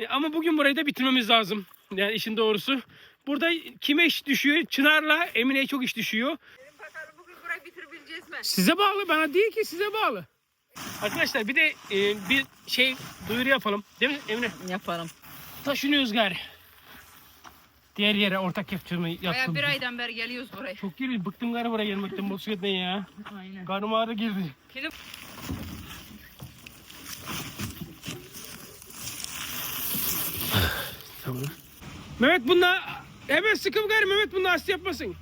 Ama bugün burayı da bitirmemiz lazım. Yani işin doğrusu. Burada kime iş düşüyor? Çınar'la Emine'ye çok iş düşüyor. Bakalım bugün burayı bitirebileceğiz mi? Size bağlı, bana değil ki, size bağlı. Arkadaşlar bir de bir şey duyuru yapalım. Değil mi Emine? Yapalım. Taşınıyoruz gari. Diğer yere ortak yaptığımı Baya yaptım. bir aydan beri geliyoruz buraya. Çok geliyor. Bıktım gari buraya gelmekten, motosikletten ya. Aynen. Karnım ağrı girdi. Şimdi Tamam. Mehmet bununla hemen sıkım gari, Mehmet bununla hasta yapmasın.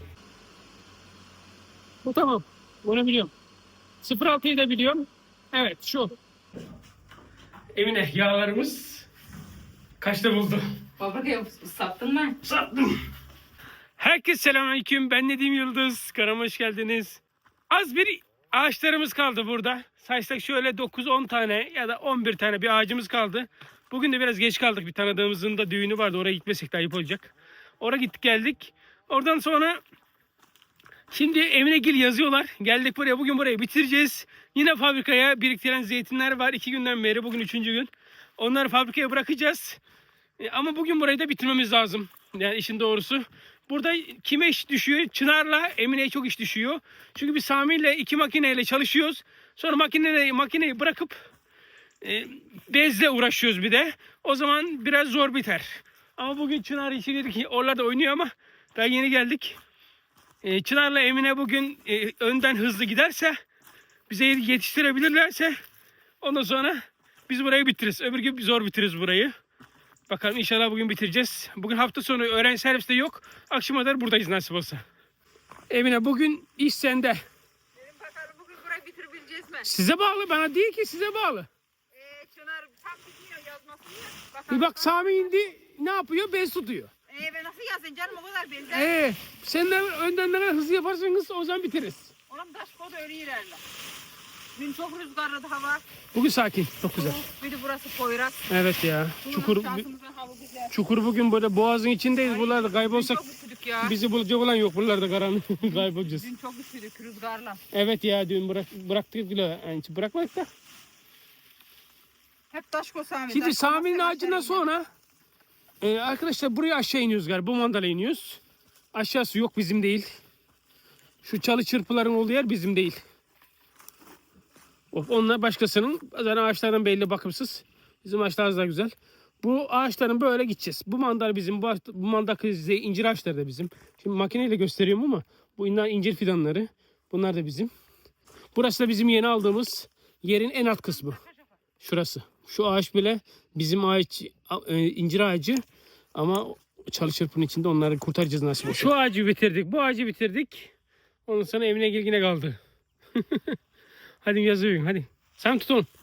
Bu tamam. Bunu biliyorum. 06'yı da biliyorum. Evet şu. Emine yağlarımız kaçta buldu? fabrikayı sattın mı? Sattım. Herkese selamünaleyküm. Ben Nedim Yıldız. Kanalıma hoş geldiniz. Az bir ağaçlarımız kaldı burada. Saysak şöyle 9-10 tane ya da 11 tane bir ağacımız kaldı. Bugün de biraz geç kaldık. Bir tanıdığımızın da düğünü vardı. Oraya gitmesek de ayıp olacak. Oraya gittik geldik. Oradan sonra şimdi Eminegil yazıyorlar. Geldik buraya. Bugün burayı bitireceğiz. Yine fabrikaya biriktirilen zeytinler var. 2 günden beri. Bugün 3. gün. Onları fabrikaya bırakacağız. Ama bugün burayı da bitirmemiz lazım. Yani işin doğrusu. Burada kime iş düşüyor? Çınar'la Emine'ye çok iş düşüyor. Çünkü biz Sami'yle 2 makineyle çalışıyoruz. Sonra makineyi bırakıp bezle uğraşıyoruz bir de. O zaman biraz zor biter. Ama bugün Çınar işi dedik ki oralarda oynuyor ama daha yeni geldik. Çınar'la Emine bugün önden hızlı giderse, bize yetiştirebilirlerse ondan sonra biz burayı bitiririz. Öbür gün zor bitiririz burayı. Bakalım inşallah bugün bitireceğiz. Bugün hafta sonu öğrenci servisi de yok. Akşama kadar buradayız nasip olsa. Emine bugün iş sende. Dedim bakalım bugün burayı bitirebileceğiz mi? Size bağlı, bana değil ki, size bağlı. Çınar tam gidiyor yazmasını ya. Bakalım. Bir bak Sami indi, ne yapıyor? Bez tutuyor. Ben nasıl yazayım canım o kadar benzer. Sen de önden ne hızlı yaparsanız o zaman bitiririz. Oğlum taş kodu öyle ilerler. Dün çok rüzgarlı hava. Bugün sakin, çok güzel. Bir de burası Poyraz. Evet ya. Şansımızın hava güzel. Çukur bugün böyle boğazın içindeyiz. Buralarda kaybolsak Dün çok üşüdük ya. bizi bulacak olan yok. Buralarda karanlık kaybolacağız. Dün çok üşüdük rüzgarla. Evet ya, dün bıraktık bile. Yani bırakmadık da. Hep taş Sami. Şimdi Sami'nin ağacından sonra arkadaşlar buraya aşağı iniyoruz galiba. Bu mandala iniyoruz. Aşağısı yok, bizim değil. Şu çalı çırpıların olduğu yer bizim değil. Onlar başkasının. Zaten ağaçların belli, bakımsız. Bizim ağaçlar daha güzel. Bu ağaçların böyle gideceğiz. Bu mandal bizim. Bu mandal incir ağaçları da bizim. Şimdi makineyle gösteriyorum ama bu incir fidanları. Bunlar da bizim. Burası da bizim yeni aldığımız yerin en alt kısmı. Şurası. Şu ağaç bile bizim ağaç, incir ağacı, ama çalı çırpının içinde onları kurtaracağız nasip olsa. Şu ağacı bitirdik, bu ağacı bitirdik. Ondan sonra Emine yine kaldı. Hadi yazıyorum, hadi. Sen tut onu.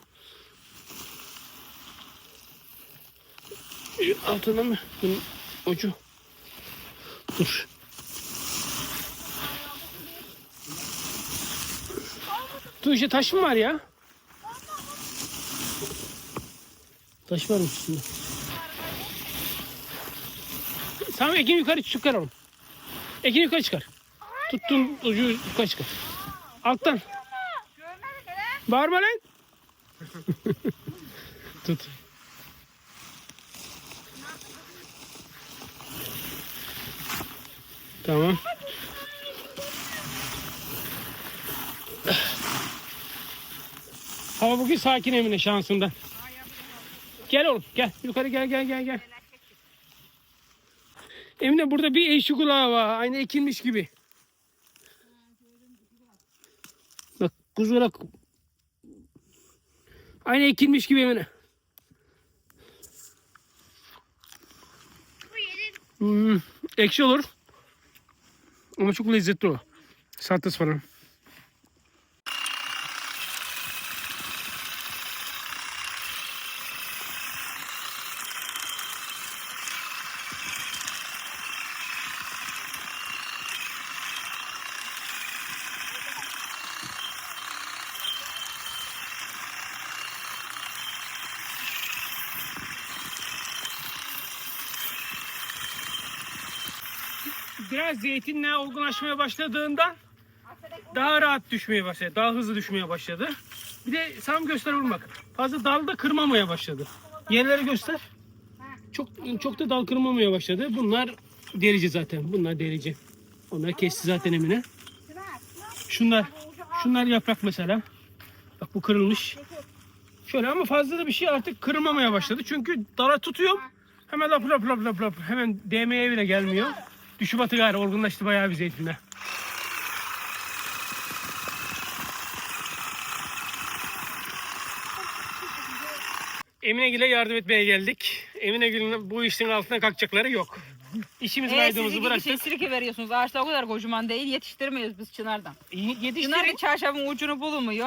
Altına mı? Bunun ucu. Dur. Dur, işte taş mı var ya? Taş varmış üstünde. Tamam, Ekin yukarı çıkar oğlum. Ekin yukarı çıkar. Tuttun ucu yukarı çıkar. Alttan. Bağırma lan. Tut. Tamam. Hava bugün sakin Emine, şansından. Gel oğlum, gel. Yukarı gel. Emine burada bir eşi kulağı var. Aynı ekilmiş gibi. Bak kuzurak. Aynı ekilmiş gibi Emine. Ekşi olur. Ama çok lezzetli o. Salatası falan. Biraz zeytinle olgunlaşmaya başladığında daha rahat düşmeye başladı. Daha hızlı düşmeye başladı. Bir de Sam göster vurmak. Fazla dalda kırmamaya başladı. Yerleri göster. çok da dal kırmamaya başladı. Bunlar delici zaten. Bunlar delici. Onları kesti zaten Emine. Şunlar yaprak mesela. Bak bu kırılmış. Şöyle ama fazla da bir şey artık kırılmamaya başladı. Çünkü dala tutuyorum. Hemen lap lap lap lap lap. Hemen değmeye bile gelmiyor. Düşü batı gayrı olgunlaştı bayağı bir zeytinler. Eminegül'e yardım etmeye geldik. Eminegül'ün bu işin altına kalkacakları yok. İşimiz kaydığımızı Siz bıraktık. iki sirke veriyorsunuz. Ağaçlar o kadar kocaman değil. Yetiştirmiyoruz biz çınardan. Çınar Yetiştirin. çarşafın ucunu bulmuyor.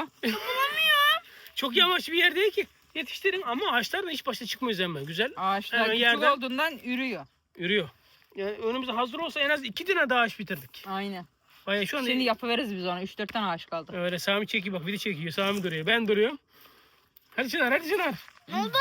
Çok yamaç bir yer değil ki. Yetiştirin ama ağaçlar da hiç başta çıkmıyor hemen. Güzel. Ağaçlar Hemen küçük yerden olduğundan ürüyor. yürüyor. Yani önümüzde hazır olsa en az 2 tane daha ağaç bitirdik. Aynen. Bayağı şu anda Şimdi yapıveririz biz ona. 3-4 tane ağaç kaldı. öyle Sami çekiyor bak, video çekiyor. Sami duruyor. Ben duruyorum. Hadi Çınar, hadi Çınar. Ne oldu?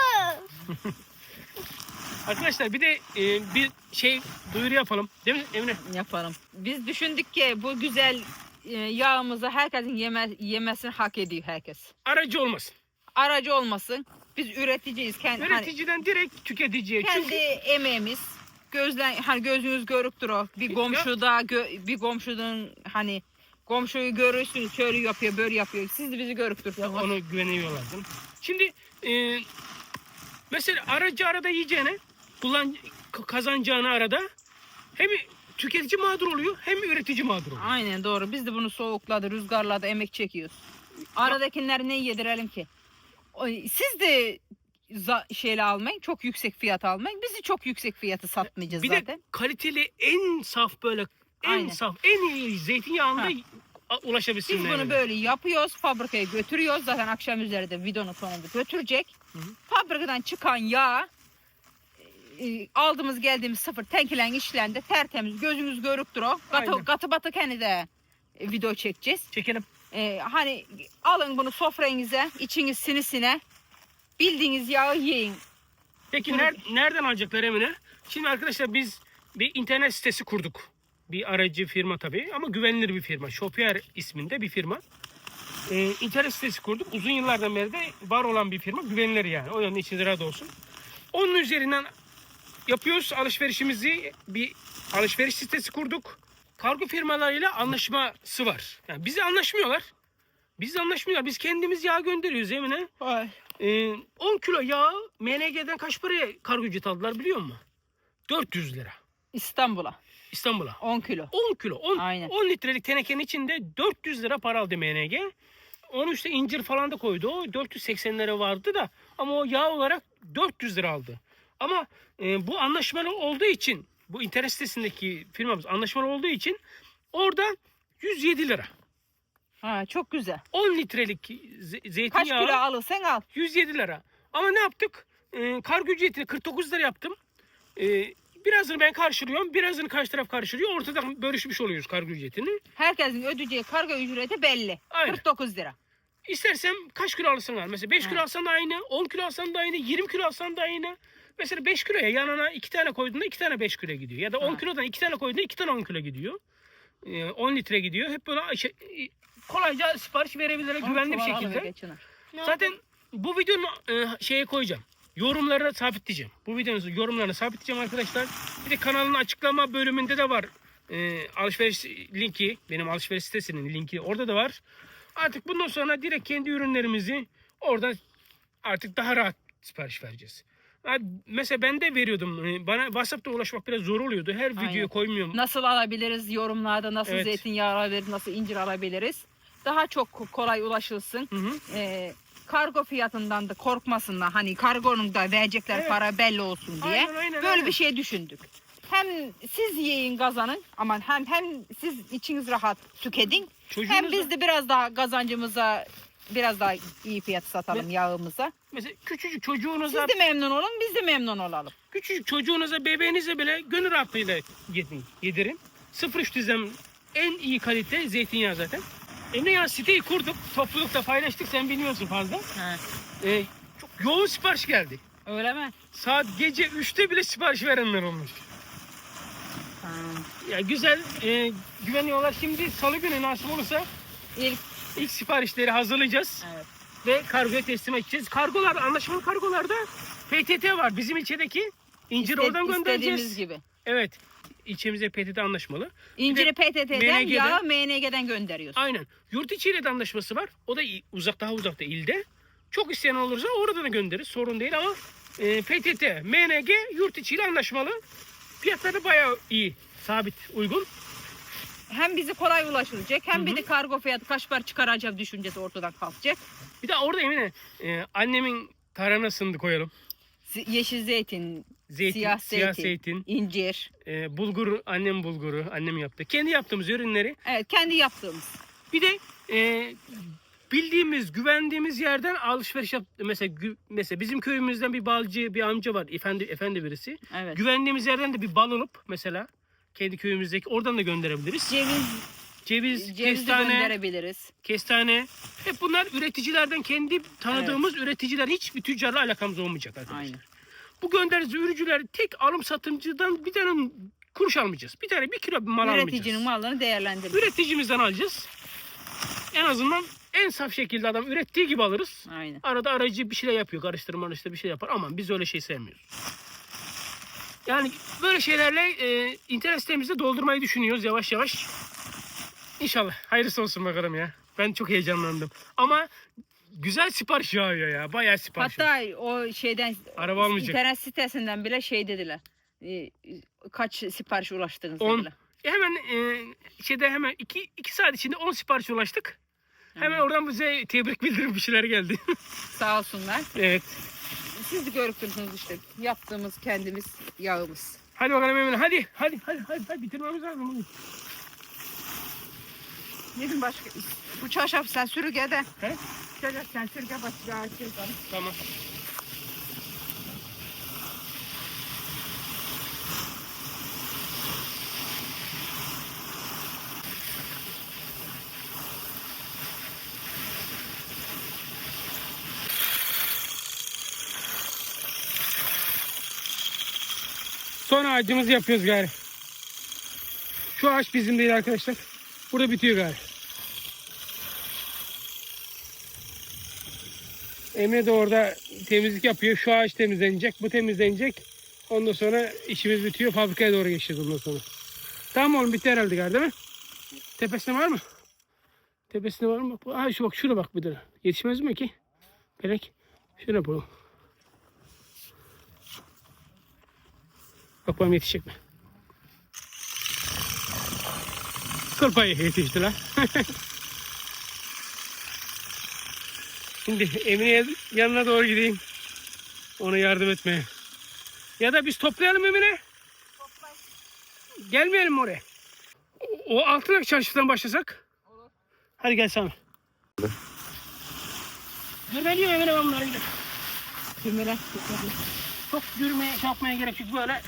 Arkadaşlar bir de bir şey duyuru yapalım. Değil mi Emine? Yapalım. Biz düşündük ki bu güzel yağımızı herkesin yemesini hak ediyor herkes. Aracı olmasın. Aracı olmasın. Biz üreticiyiz. Üreticiden direkt tüketiciye. Kendi Çünkü emeğimiz. Gözünüz görüktür o. Bir komşuda bir komşunun hani komşuyu görürsünüz şöyle yapıyor böyle yapıyor. Siz de bizi görüktürsünüz. onu güveniyorlar. Değil mi? Şimdi mesela aracı arada yiyeceğine kazanacağını arada hem tüketici mağdur oluyor hem üretici mağdur oluyor. Aynen doğru. Biz de bunu soğukladı, rüzgarladı, emek çekiyoruz. Aradakileri ne yedirelim ki? Siz de şeyle almayın, çok yüksek fiyat almayın. Biz de çok yüksek fiyatı satmayacağız Bir zaten. de kaliteli en saf böyle Aynen. en iyi zeytinyağında ulaşabilsinler. Biz bunu yani. böyle yapıyoruz, fabrikaya götürüyoruz. Zaten akşam üzeri de videonun sonunda götürecek. Hı hı. Fabrikadan çıkan yağ aldığımız geldiğimiz sıfır tenkilen işlendi. Tertemiz, gözünüz görüktür o. Aynen. Katı batı kendi de video çekeceğiz. Çekelim. Hani alın bunu sofranıza, içiniz sinisine. Bildiğiniz yağı yiyin. Peki nereden alacaklar Emine? Şimdi arkadaşlar biz bir internet sitesi kurduk. Bir aracı firma tabii ama güvenilir bir firma. Shopier isminde bir firma. İnternet sitesi kurduk. Uzun yıllardan beri de var olan bir firma. Güvenilir yani. O yüzden içiniz rahat olsun. Onun üzerinden yapıyoruz alışverişimizi. Bir alışveriş sitesi kurduk. Kargo firmalarıyla anlaşması var. Yani bizi anlaşmıyorlar. Biz kendimiz yağ gönderiyoruz Emine. 10 kilo yağ MNG'den kaç paraya kargo ücret aldılar biliyor musun? 400 lira. İstanbul'a İstanbul'a. 10 kilo. 10 kilo. Aynen. 10 litrelik tenekenin içinde 400 lira para aldı MNG. Onun üstüne incir falan da koydu. O 480 lira vardı da ama o yağ olarak 400 lira aldı. Ama bu anlaşmalı olduğu için, bu internet sitesindeki firmamız anlaşmalı olduğu için orada 107 lira. Çok güzel. 10 litrelik Kaç zeytinyağı kilo alırsan al. 107 lira. Ama ne yaptık? Kargo ücretini 49 lira yaptım. Birazını ben karşılıyorum, birazını karşı taraf karşılıyor. Ortadan bölüşmüş oluyoruz kargo ücretini. Herkesin ödeyeceği kargo ücreti belli. Aynen. 49 lira. İstersem kaç kilo alırsan al. Mesela 5 kilo alsan da aynı, 10 kilo alsan da aynı, 20 kilo alsan da aynı. Mesela 5 kiloya yanına 2 tane koyduğunda 2 tane 5 kilo gidiyor. Ya da 10 kilodan 2 tane koyduğunda 2 tane 10 kilo gidiyor. 10 litre gidiyor. Hep böyle kolayca sipariş verebilirler güvenli bir şekilde. Zaten bu videonun şeye koyacağım. Yorumlara sabitleyeceğim. Bu videonun yorumlarını sabitleyeceğim arkadaşlar. Bir de kanalın açıklama bölümünde de var. Alışveriş linki. Benim alışveriş sitesinin linki orada da var. Artık bundan sonra direkt kendi ürünlerimizi oradan artık daha rahat sipariş vereceğiz. Mesela ben de veriyordum. Bana WhatsApp'ta ulaşmak biraz zor oluyordu. Her videoya koymuyorum. Nasıl alabiliriz yorumlarda, nasıl Evet. zeytinyağı alabiliriz, nasıl incir alabiliriz. Daha çok kolay ulaşılsın. Hı hı. Kargo fiyatından da korkmasınlar. Hani kargonun da verecekler Evet. para belli olsun diye. Aynen, Böyle aynen. bir şey düşündük. Hem siz yiyin kazanın ama hem siz içiniz rahat tüketin. Hem biz de biraz daha kazancımıza biraz daha iyi fiyat satalım yağımıza. Mesela küçücük çocuğunuza, Siz de memnun olun, biz de memnun olalım. küçücük çocuğunuza, bebeğinize bile gönül rahatlığıyla yedirin. 0.3 dizem en iyi kalite zeytinyağı zaten. Ne ya, siteyi kurduk, toplulukta paylaştık, sen bilmiyorsun fazla. Çok yoğun sipariş geldi. Öyle mi? Saat gece 3'te bile sipariş verenler olmuş. Ya güzel, güveniyorlar. Şimdi salı günü nasip olursa ilk siparişleri hazırlayacağız. Evet. Ve kargoya teslim edeceğiz. Kargolar, anlaşmalı kargolarda PTT var. Bizim ilçedeki İncir oradan göndereceğiz. İstediğimiz gibi. Evet. İlçemize PTT anlaşmalı. İnciri PTT'den, MNG'den yağı MNG'den gönderiyoruz. Aynen. Yurt içiyle de anlaşması var. O da daha uzakta ilde. Çok isteyen olursa orada da göndeririz. Sorun değil ama PTT, MNG yurt içiyle anlaşmalı. Fiyatları bayağı iyi. Sabit, uygun. Hem bizi kolay ulaşılacak hem bir de kargo fiyatı kaç para çıkaracak düşüncesi ortadan kalkacak. Bir de orada Emine annemin taranasını da koyalım. Yeşil zeytin, Zeytin, siyah zeytin, incir. Bulgur, annem bulguru, annem yaptı. Kendi yaptığımız ürünleri. Evet, kendi yaptığımız. Bir de bildiğimiz, güvendiğimiz yerden alışveriş yap. Mesela bizim köyümüzden bir balcı, bir amca var. Efendi birisi. Evet. Güvendiğimiz yerden de bir bal alıp mesela kendi köyümüzdeki oradan da gönderebiliriz. Ceviz, de kestane, gönderebiliriz. kestane. Hep bunlar üreticilerden, kendi tanıdığımız üreticiler, hiçbir tüccarla alakamız olmayacak arkadaşlar. Aynen. Bu gönderdiğimiz ürücüler tek alım satımcıdan bir tane kuruş almayacağız. Bir kilo mal almayacağız. Üreticinin mallarını değerlendiririz. Üreticimizden alacağız. En azından en saf şekilde adam ürettiği gibi alırız. Aynen. Arada aracı bir şeyler yapıyor. Karıştırma bir şey yapar. Ama biz öyle şey sevmiyoruz. Yani böyle şeylerle internet sitemizi doldurmayı düşünüyoruz yavaş yavaş. İnşallah. Hayırlısı olsun bakalım ya. Ben çok heyecanlandım. Ama güzel sipariş yağıyor ya. Bayağı sipariş. Hatta o şeyden Araba almayacak. internet sitesinden bile şey dediler. Kaç sipariş ulaştınız 10. dediler. Hemen 2 saat içinde 10 sipariş ulaştık. Hemen oradan bize tebrik bildirim bir şeyler geldi. Sağ olsunlar. Evet. Siz de görürsünüz işte yaptığımız kendimiz yağımız. Hadi bakalım Emine. Hadi bitirmemiz lazım. Yedim başka. Bu çarşaf sen sürüge de. He? Çarşaf sen sürüge başka. Tamam. Son ağacımızı yapıyoruz gari. Şu ağaç bizim değil arkadaşlar. Burada bitiyor gari. Emre de orada temizlik yapıyor. Şu ağaç temizlenecek. Bu temizlenecek. Ondan sonra işimiz bitiyor. Fabrikaya doğru geçeceğiz ondan sonra. Tamam oğlum, bitti herhalde gari değil mi? Tepesinde var mı? Tepesinde var mı? Ha şu bak, şuna bak bir de. Yetişmez mi ki? Pelek. Şuna yapalım. Bakalım yetişecek mi? Kıl payı yetişti lan. Şimdi Emine'ye yanına doğru gideyim. Ona yardım etmeye. Ya da biz toplayalım Emine. Gelmeyelim mi oraya? O Altınok çarşıdan başlasak. Olur. Hadi gel Sami. Yürümeliyor Emine, ben bunlara gidelim. Cümle. Çok yürümeye, yapmaya gerek yok, böyle.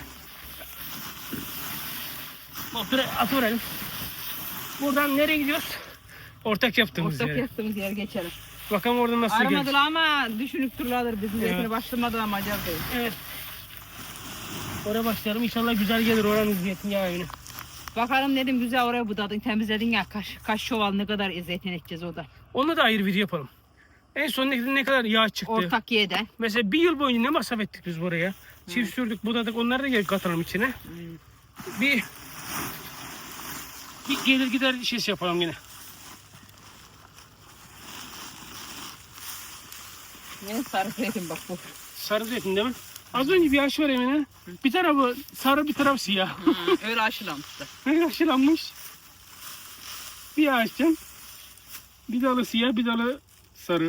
Motoru atıverelim. Buradan nereye gidiyoruz? Ortak yaptığımız Ortak yere. yaptığımız yer geçelim. Bakalım oradan nasıl gidiyoruz. Aramadılar ama düşünüp dururlar. Bizim Evet. zeytini başlamadılar ama acaba değil. Evet. Oraya başlayalım. İnşallah güzel gelir oranın zeytinyağı evine. Bakalım dedim güzel oraya budadın temizledin ya kaç çuval ne kadar zeytin edeceğiz o da. Onunla da ayrı video yapalım. En son ne kadar yağ çıktı. Ortak yeden. Mesela bir yıl boyunca ne masraf ettik biz buraya. Çift sürdük, budadık, onları da geri katalım içine. Bir gelir gider işi yapalım yine. Ne sarı zeytin bak bu. Sarı zeytin değil mi? Az önce bir ağaç var Emine. Bir tarafı sarı, bir tarafı siyah. Öyle aşılamışlar. Ne aşılanmış. Bir ağaçtan bir dalı siyah, bir dalı sarı.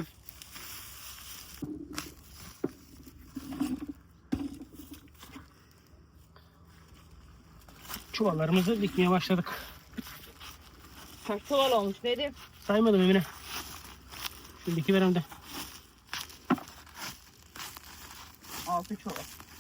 Çuvallarımızı dikmeye başladık. Kaç çuval olmuş dedim. Saymadım Emine. Şimdi iki verem de. 6 çuval.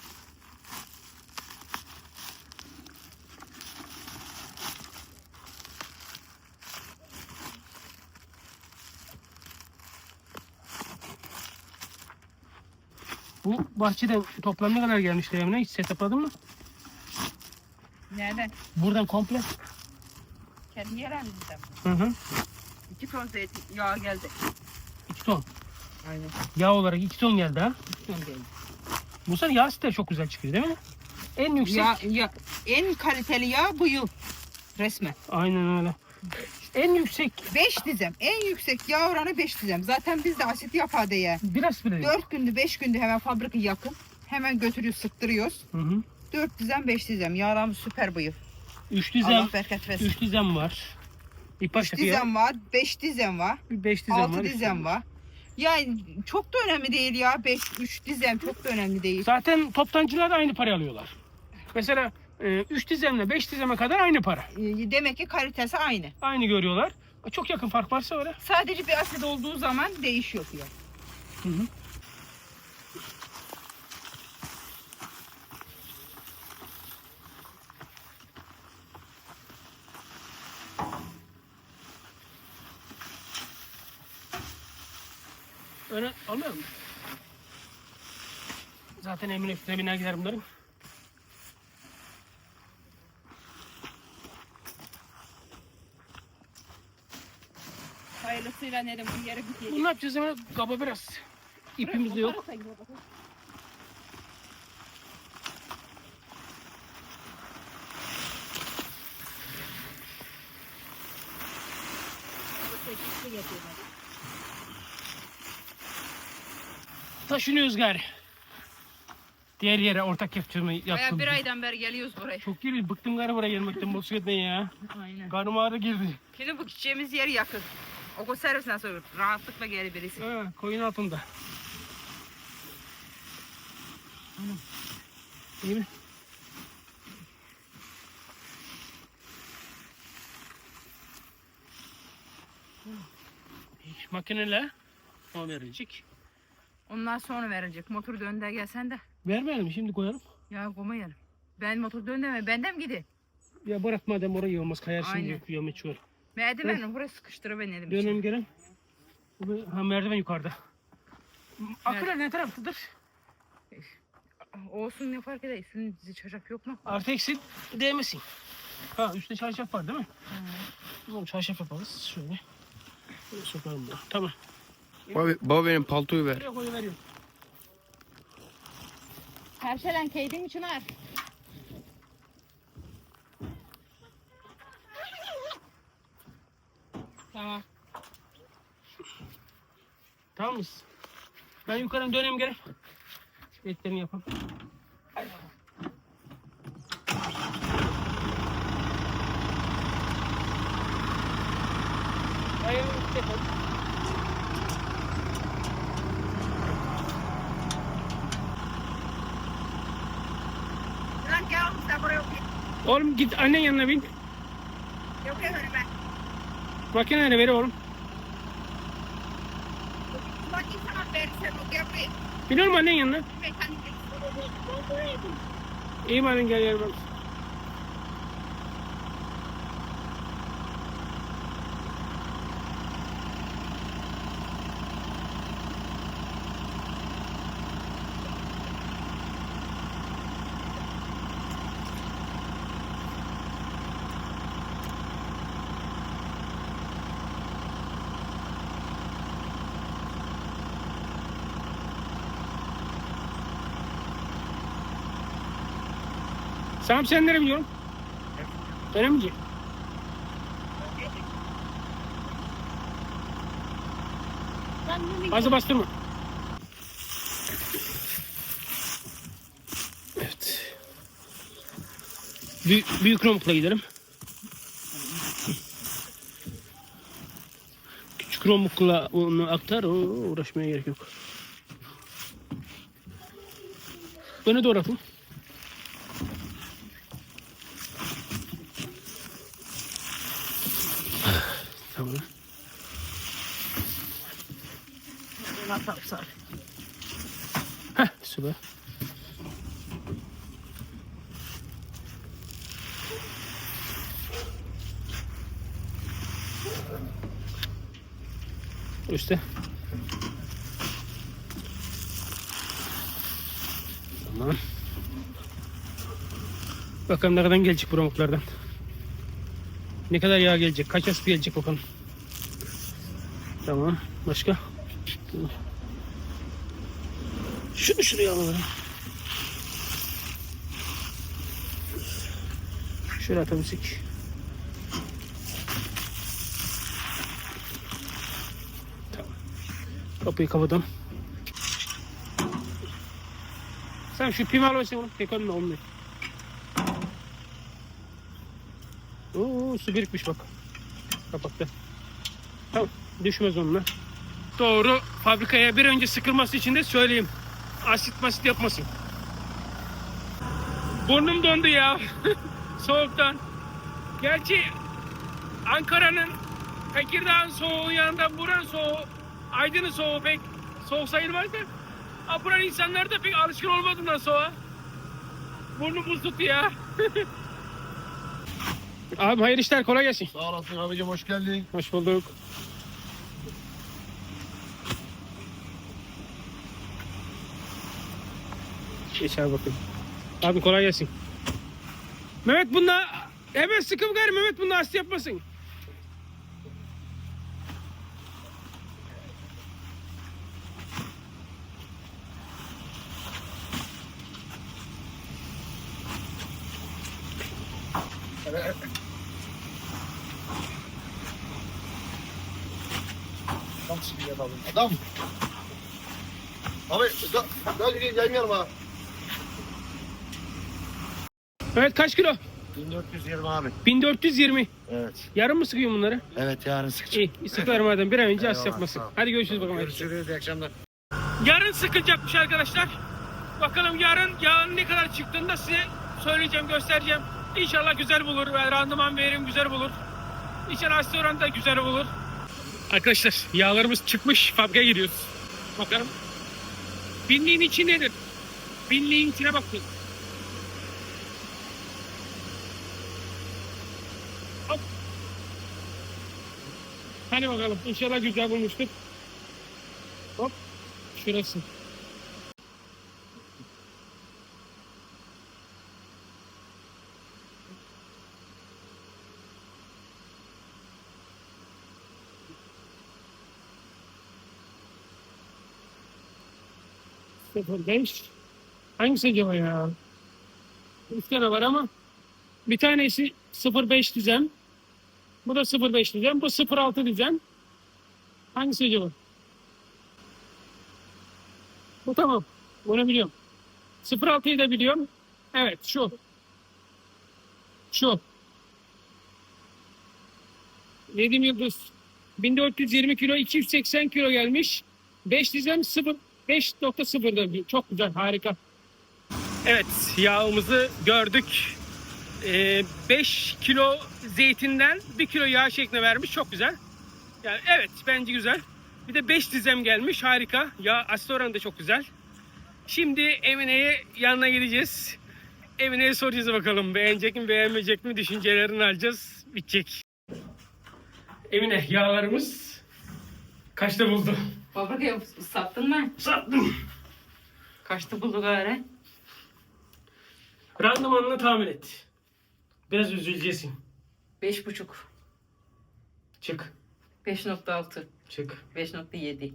Bu bahçeden toplam ne kadar gelmişti Emine? Hiç hesapladın mı? Nereden? Buradan komple. Kendi yerimizden. Hı. 2 ton zeytin yağ geldi. 2 ton. Aynen. Yağ olarak 2 ton geldi ha. 2 ton geldi. Bu sene yağ siteleri çok güzel çıkıyor değil mi? En yüksek. En kaliteli yağ bu yıl. Resmen. Aynen öyle. En yüksek 5 dizem. En yüksek yağ oranı 5 dizem. Zaten biz de asit yapar diye. biraz bile. 4 gündü 5 gündü hemen fabrika yakın. Hemen götürüyoruz sıktırıyoruz. Hı hı. 4 dizem 5 dizem. Yağlarımız süper bu yıl. 3 dizem. Allah bereket versin. 3 dizem var. İlk 3 başta fiyat. dizem var. 5 dizem var. 5 dizem 6 var. dizem var. Yani çok da önemli değil ya. 3 dizem çok da önemli değil. Zaten toptancılar da aynı parayı alıyorlar. Mesela 3 dizemle 5 dizeme kadar aynı para. Demek ki kalitesi aynı. Aynı görüyorlar. Çok yakın fark varsa öyle. Sadece bir asit olduğu zaman değişiyor fiyat. Hı hı. Öyle almıyor mu? Zaten emin üstüne biner gider bunların. Hayırlısıyla nerede bu yere gidecek. Bunu ne yapacağız hemen? Kaba biraz. İpimiz de yok. Taşınıyoruz gari. Diğer yere ortak yapacağımı Baya yaptım. bir aydan beri geliyoruz buraya. Çok geri bıktım gari buraya gelmekten motosikletten ya. Aynen. Karnım ağrı girdi. Şimdi bu gideceğimiz yer yakın. Okul servisinden sonra rahatlıkla gelir birisi. Ha, koyun altında. İyi mi? Makineyle o verilecek. Ondan sonra verilecek. Motor döndü gelsen de. Vermeyelim şimdi koyalım. Ya koymayalım. Ben motor döndü benden gidi. Ya bırak madem orayı olmaz kayarsın Aynen. diyor yameç var. Merdiveni buraya sıkıştırıp benim Dönem için. gelen. Ha merdiven yukarıda. Akılar ne taraftadır? Olsun ne fark eder? Üstünün dizi çarşaf yok mu? Artı eksi değmesin. Ha üstte çarşaf var değil mi? Tamam çarşaf yaparız şöyle. Böyle sokalım bunu. Tamam. Baba benim paltoyu ver. Buraya koyuveriyorum. Perşelen keydin Çınar. Tamam. Tamam mısın? Ben yukarıdan döneyim gene. Etlerini yapalım. Hayır, yapalım. Lan gel oğlum sen buraya otur. Oğlum git annen yanına bin. Yok ya öyle ben. Makineleri ver oğlum. Bak insana verirsen o yapayım. Bin oğlum annen yanına. Mekanik. İyi mi annen gel gel bak. Samim sen nereye biliyorum? Öyle mi diyeyim? Fazla bastırma. Evet. Büyük romukla gidelim. Küçük romukla onu aktar, uğraşmaya gerek yok. Öne doğru atın. Tamam. Heh, süper. Üstte. Tamam. Bakalım ne kadar gelecek bu pamuklardan. Ne kadar yağ gelecek, kaç aspi gelecek bakalım. Tamam. Başka? Şunu şuraya alalım. Şöyle atabilsek. Tamam. Kapıyı kapatalım. Sen şu pimi al versin oğlum. Tek önüne olmuyor. Oo, su birikmiş bak. Kapattı. Tamam. Düşmez onunla. Doğru. Fabrikaya bir önce sıkılması için de söyleyeyim. Asit masit yapmasın. Burnum dondu ya. Soğuktan. Gerçi Ankara'nın, Tekirdağ'ın soğuğu yanında buranın soğuğu, Aydın'ın soğuğu pek soğuk sayılmaz da. Buranın insanlar da pek alışkın olmadığından soğuğa. Burnum buz tuttu ya. Abi hayırlı işler, kolay gelsin. Sağ olasın abicim, hoş geldin. Hoş bulduk. Geç abi bakayım. Abi kolay gelsin. Mehmet bunda hemen sıkım gari, Mehmet bunda hasta yapmasın. Nasıl bir adam? Adam. Abi gel yanıma. Evet, kaç kilo? 1420 abi. 1420. Evet. Yarın mı sıkıyorsun bunları? Evet, yarın sıkacağım. İyi, sıkıyorum madem. Bir an önce hasta Eyvallah, yapmasın. sağ ol. Hadi görüşürüz bakalım. Görüşürüz, iyi akşamlar. Yarın sıkılacakmış arkadaşlar. Bakalım yarın yağın ne kadar çıktığını da size söyleyeceğim, göstereceğim. İnşallah güzel bulur ve randıman verim güzel bulur. İnşallah hasta oranı da güzel bulur. Arkadaşlar yağlarımız çıkmış, fabrikaya gidiyoruz. Bakalım. Binliğin içi nedir? Binliğin içine bakın. Hop. Hadi bakalım. İnşallah güzel bulmuştur. Hop. Şurası. Sıfır beş. Hangisi acaba ya? Üç tane var ama bir tanesi 0.5 düzen. Bu da 0.5 düzen. Bu 0.6 düzen. Hangisi acaba? Bu tamam. Bunu biliyorum. 0.6'yı da biliyorum. Evet şu. Şu. Nedim Yıldız. 1420 kilo, 280 kilo gelmiş. 5 düzen 5.0'da. Çok güzel, harika. Evet, yağımızı gördük. 5 kilo zeytinden 1 kilo yağ şeklinde vermiş. Çok güzel. Yani evet, bence güzel. Bir de 5 dizem gelmiş. Harika. Yağ asit oranı da çok güzel. Şimdi Emine'ye yanına gideceğiz. Emine'ye soracağız bakalım. Beğenecek mi, beğenmeyecek mi? Düşüncelerini alacağız. Bitecek. Emine, yağlarımız kaçta buldu? Fabrikaya sattın mı? Sattım. Kaçta buldu gari? Randımanını tahmin et. Biraz üzüleceksin. 5,5. Çık. 5,6. Çık. 5,7.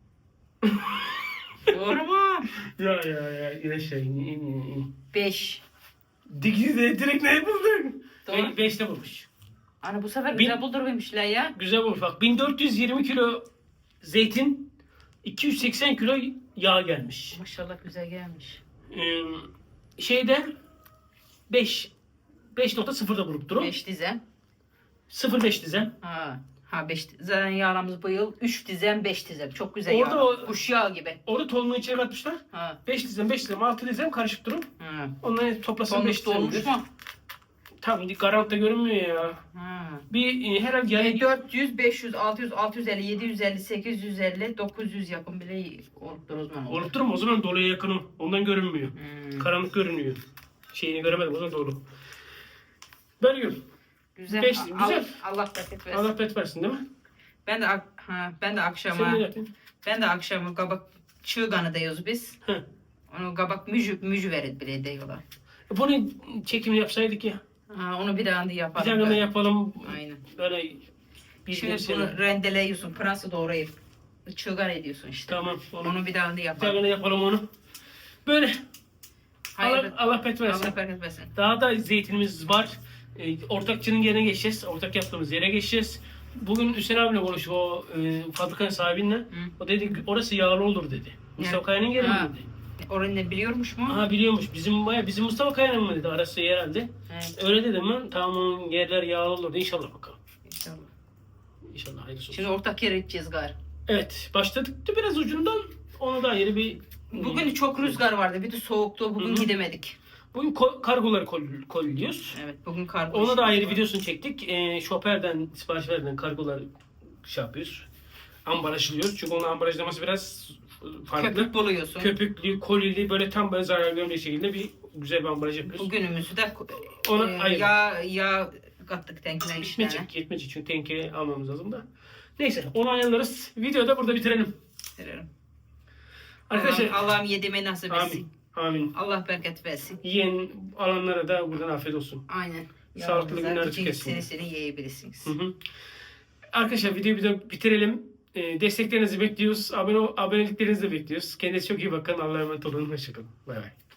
Doğru mu? Ya. İn aşağı in. 5. Direkt ne buldun? Doğru. 5'te bulmuş. Ana bu sefer Bin- güzel buldurmamışlar ya. Güzel bulmuş bak. 1420 kilo zeytin, 280 kilo yağ gelmiş. Maşallah güzel gelmiş. Şeyde 5.0'da bulup durun. 5 dizem. 0.5 dizem. Ha 5 zaten yağlamız bu yıl 3 dizem 5 dizem. Çok güzel Orada yağ. o- Kuş yağı gibi. Orada tohumunu içine katmışlar. Ha. 5 dizem, 6 dizem karışık durun. Ha. Onları toplasın 5 Dolmuş dolmuş dizem. mu? Tam garantta görünmüyor ya. Ha. Bir herhalde yani 400, 500, 600, 650, 750, 850, 900 yakın bile oluptur o zaman. olup durma, o zaman doluya yakınım. Ondan görünmüyor. Karanlık görünüyor. Şeyini göremedim, o zaman dolu. Bölüyorum. Güzel. Beş- Allah, güzel. Allah bereket versin. Allah bet versin değil mi? Ben de Sen ne akşama yaptın? kabak çığganı diyoruz biz. Hı. Onu kabak mücü verir bile diyorlar. Bunu çekimini yapsaydık ya. Onu bir daha Bir yapalım. tane de yapalım. Aynen. Böyle bir Şimdi bunu rendeleyiyorsun, pırası doğrayıp çığgan ediyorsun işte. Tamam. Onu bir daha Bir yapalım. tane de yapalım onu. Böyle. Hayır. Allah bet versin. Allah bereket versin. Daha da zeytinimiz var. Ortakçının yerine geçeceğiz. Ortak yaptığımız yere geçeceğiz. Bugün Hüseyin abiyle konuştuk o fabrikanın sahibiyle. O dedi orası yağlı olur dedi. Mustafa Kaya'nın yeri mi Ha. dedi. Orayı ne biliyormuş mu? Aha biliyormuş. Bizim Mustafa Kaya'nın mı dedi arası herhalde. Evet. Öyle dedim ben. Tamam onun yerler yağlı olur. İnşallah bakalım. İnşallah. İnşallah hayırlısı olsun. Şimdi ortak yere gideceğiz gari. Evet. Başladık da biraz ucundan ona da ayrı bir... Bugün çok rüzgar vardı. Bir de soğuktu. Bugün gidemedik. Bugün kargoları kolluyoruz. Evet, bugün kargo Ona da işimiz ayrı var. videosunu çektik. Şoförden, sipariş verden kargolar şey yapıyoruz. Ambalajlıyoruz. Çünkü onun ambalajlaması biraz farklı. Köpük buluyorsun. Köpüklü, kolili böyle tam böyle zarar görmeyecek şekilde bir güzel bir ambalaj yapıyoruz. Bugünümüzü de Ona ayrı. yağ kattık tenkine işlerine. Yetmeyecek çünkü tenke almamız lazım da. Neyse onu ayarlarız. Videoyu da burada bitirelim. Verelim. Arkadaşlar Allah'ım yediğime nasip etsin. amin. Amin. Allah bereket versin. Yiyen alanlara da buradan afiyet olsun. Aynen. Sağlıklı Yavrularınızdan günler bütün tüketsin. Seni yiyebilirsiniz. Hı hı. Arkadaşlar videoyu bir bitirelim. Desteklerinizi bekliyoruz. Aboneliklerinizi de bekliyoruz. Kendinize çok iyi bakın. Allah'a emanet olun. Hoşçakalın. Bay bay.